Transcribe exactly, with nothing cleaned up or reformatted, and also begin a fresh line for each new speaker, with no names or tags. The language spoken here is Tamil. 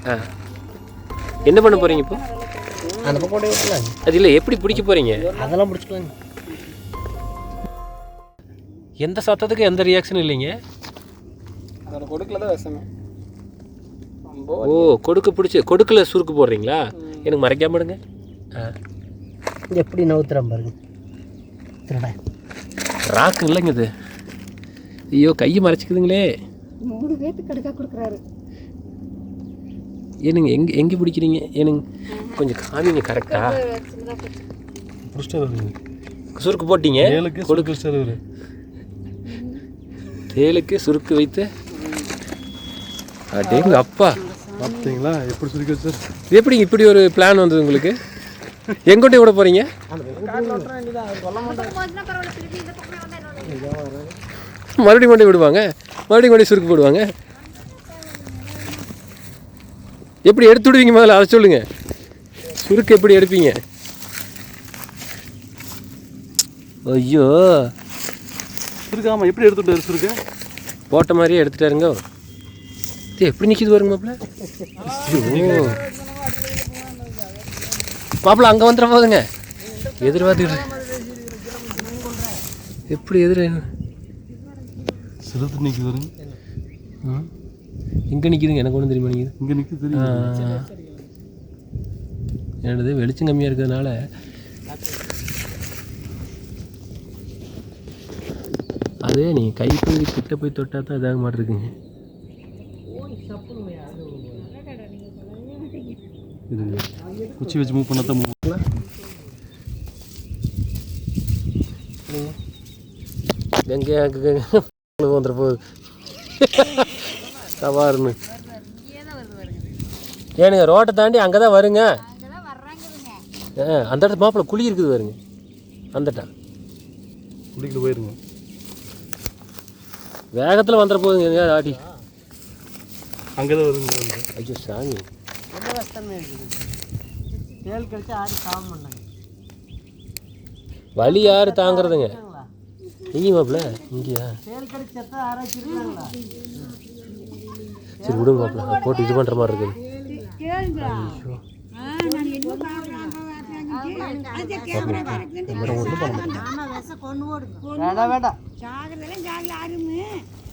ஆ என்ன பண்ண போகிறீங்க இப்போ?
அந்த பக்கம் ஓடி விட்டுலாங்க.
அது இல்லை, எப்படி பிடிக்க போகிறீங்க?
அதெல்லாம் பிடிச்சிக்கலாங்க.
எந்த சத்தத்துக்கு எந்த ரியாக்ஷனும் இல்லைங்க.
அதோட கொடுக்கல தான் விஷமே.
ஓ, கொடுக்க பிடிச்சி கொடுக்கல சுருக்கு போடுறீங்களா? எனக்கு மறைக்காம விடுங்க. ஆ
எப்படி நவுத்துறேன் பாருங்க. திருடா
ராக்கு இல்லைங்க இது. ஐயோ, கையை மறைச்சிக்குதுங்களே.
மூணு பேருக்கு கடுக்கா கொடுக்குறாரு.
ஏனுங்க எங்கே எங்கே பிடிக்கிறீங்க? ஏனுங்க கொஞ்சம் காமிங்க கரெக்டாக. சுருக்கு போட்டீங்க. கொடுக்க தேலுக்கு சுருக்கு வைத்து அடேங்க அப்பா,
பார்த்தீங்களா எப்படி சுருக்கி வச்சார்?
எப்படிங்க இப்படி ஒரு பிளான் வந்தது உங்களுக்கு? எங்கோட்டே விட போகிறீங்க? மறுபடியும் கொண்டே விடுவாங்க, மறுபடியும் கொண்டே சுருக்கு போடுவாங்க. எப்படி எடுத்து விடுவீங்க முதல்ல அதை சொல்லுங்க. சுருக்கு எப்படி எடுப்பீங்க? ஐயோ,
சுருக்கு ஆமாம், எப்படி எடுத்துட்டாரு? சுருக்கு
போட்ட மாதிரியே எடுத்துட்டாருங்க. எப்படி நிற்கிது பாருங்க மாப்பிள்ள. ஓ மாப்பிள்ள அங்கே வந்துட போதுங்க. எதிர்பார்த்துக்கிட்டு எப்படி எதிர
சிறுத்து நிற்கிது பாருங்க.
ம் இங்கே நிற்கிதுங்க. எனக்கு ஒன்றும் தெரியுமா? நிற்கிது
இங்கே நிற்கிது தெரியும்.
என்னது வெளிச்சம் கம்மியாக இருக்கிறதுனால அதே நீங்கள் கை போய் கிட்ட போய் தொட்டால் தான் இதாக மாதிரி இருக்குங்க.
இது குச்சி வச்சு மூவ் பண்ண தான் மூவ் பண்ணலாம்.
கங்கையாக்கு வந்துட போகுது தவாருன்னு. ஏனுங்க ரோட்டை தாண்டி அங்கே தான் வருங்க. ஆ அந்த இடத்துல மாப்பிள்ள குழி இருக்குது வருங்க. அந்தட்டா
குடிக்கிட்டு போயிருங்க.
வேகத்தில் வந்துட போகுதுங்க ஆட்டி.
அங்கே தான் வருங்க.
ஐயோ சாமி,
ரொம்ப கஷ்டமே இருக்குது. தேல் கழிச்சு ஆடி சாம பண்ணாங்க.
வலி யார் தாங்கிறதுங்க? இங்கே மாப்பிள்ள இங்கேயா?
தேல் கழிச்சு எத்தனை ஆராய்ச்சி இருக்காங்களா?
சரி விடுங்க மாப்பிள்ள, போட்டு இது பண்ணுற மாதிரி இருக்குது.
வேண்டாம் வேண்டாம்.